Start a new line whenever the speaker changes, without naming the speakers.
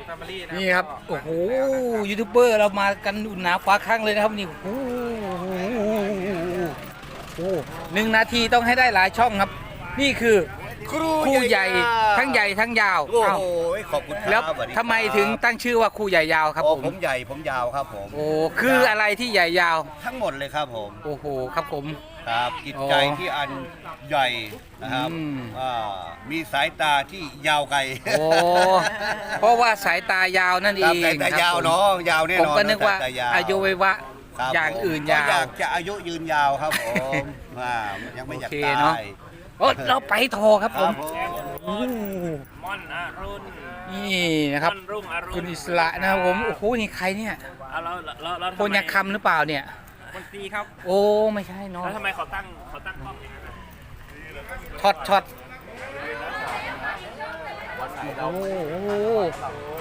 แฟมิลี่นะ
นี่ครับโอ้โหยูทูบเบอร์เรามากันอุ่นหนาฟ้าข้างเลยนะครับนี่โอ้โห1 นาทีต้องให้ได้หลายช่องครับ นี่คือครูใหญ่ทั้งใหญ่ทั้งยาว
โอ้
เอ้า
โหขอบคุณครับ
แล้ว
สวัสดีครับ
ทำไมถึงตั้งชื่อว่าครูใหญ่ยาวครับ
โอ้
ผม
ผมใหญ่ผมยาวครับผม
โอ้คืออะไรที่ใหญ่ยาว
ทั้งหมดเลยครับผม
โอ้โหครับผม
ครับจิตใจ
อ๋อ
ที่อันใหญ่นะครับ
อืม
มีสายตาที่ยาวไกล
โอ้เพราะว่าสายตายาวนั่นเอ
ครับ
ง
สายตายาว
ครับผม
เนาะยาวแน่น
ผม
อน
ก็นึกว่า
สตย
อายุวัยวะ
ครับ
อย่าง
ผม
อื่น
ก็
ยา
อยาว กจะอายุยืนยาวครับผมยังไม่อยาก
โอเค
ตา
เนอะ
ย
โอ้เราไปโทรครับ
ค
ผ
รั
ม
บผม
โอ้
ม่อนอรุณ
นี่นะครับ
ม่อนรุ่งอรุณ
คุณอิสระนะครับผมโอ้โหนี่ใครเนี่ย
เอาเรา
โคนยาคำหรือเปล่าเนี่ย
คนตีครับ
โอ้ไม่ใช่เนาะ
แล้วทำไมเขาตั้งกล้องอย่างนั้นอะ
ช็อตโอ้โห